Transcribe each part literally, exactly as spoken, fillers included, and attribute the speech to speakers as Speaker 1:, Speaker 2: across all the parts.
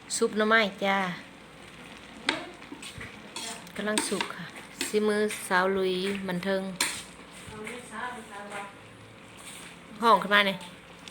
Speaker 1: ซุปหน่อไม้จ้ากำลังสุกค่ะซิมือสาวลุยมันเทิงห้องขึ้นมาเนี่ย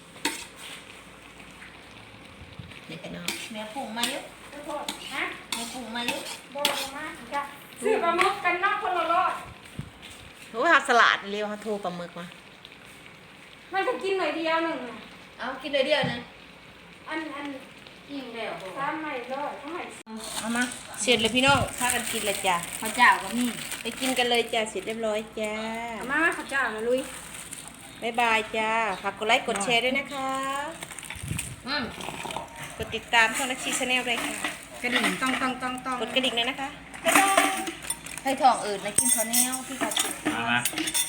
Speaker 1: นี่พี่น้อง
Speaker 2: แม่ปรุงมาเยอะฮะแม่ปรุงมาเยอะบ่มาจ้ะ
Speaker 3: ซื้อปลาหมึกกันนอกคนละรอด
Speaker 1: โอ้ยเขาสลัดเรียวเขาโทรปลาหมึกมา
Speaker 3: มันก็กินหน่อยเดียวหนึ่งน่ะ
Speaker 2: เอากินเลยเดียวนึง
Speaker 3: อันอัน
Speaker 2: อิ่มแล้ว
Speaker 3: สามไม่รอดเขาให้
Speaker 2: เอามา
Speaker 1: เสร็จเลยพี่น้องพากันกินเลยจ้า
Speaker 2: ข้าวเจ้าก็มี
Speaker 1: ไปกินกันเลยจ้าเสร็จเรียบร้อยจ้า
Speaker 3: เอามาข้าวเจ้านะลุย
Speaker 1: บ๊ายบายจ้าฝากกดไลค์กดแชร์ด้วยนะคะ
Speaker 2: อืม
Speaker 1: กดติดตามช่องนักชีชาแนลเลยค่ะ
Speaker 3: กระดิ่งต้องต้องต้องต้อง
Speaker 1: กดกระดิ่งเลยนะคะ
Speaker 2: ให้ทองอื่นนะกินข้าวเหนียวพี่เขากิน
Speaker 4: มามา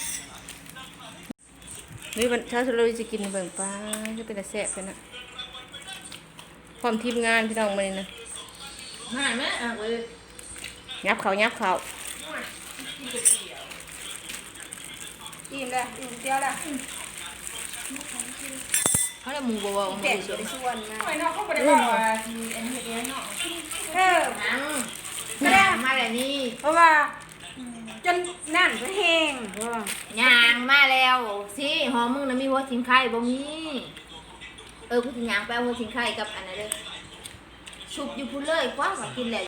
Speaker 1: นี่วันเช้าเราจะกินเบิ่งปลาจะเป็นแต่แซ่บเป็นอะพร้อมทีมงานพี่น้องมาเลยนะ
Speaker 2: หายไหมอ่ะเว้ย
Speaker 1: ยับเขายับเขา
Speaker 3: อิ่มแล้วอิ่มเดียวแล้ว
Speaker 2: เขาได้หมูบวบ
Speaker 3: แจกอยู่ในส่วนนะ
Speaker 2: ไอ้นอกเขาไม่ได้บอกว่าทีอันนี้เดียวเนาะ
Speaker 3: เออ
Speaker 2: นังก็ได้มาแล้วนี่
Speaker 3: เพราะว่าจนนั่นก็แห้งเออย่าง
Speaker 2: มาแล้วสิหอมมึงนะมีหัวทิ้งไข่บ่มีเออกูถึงยางไปเอาหัวทิ้งไข่กับอันนั้นเลยชุบอยู่พุ่นเลยกว่าว่ากินแล้ว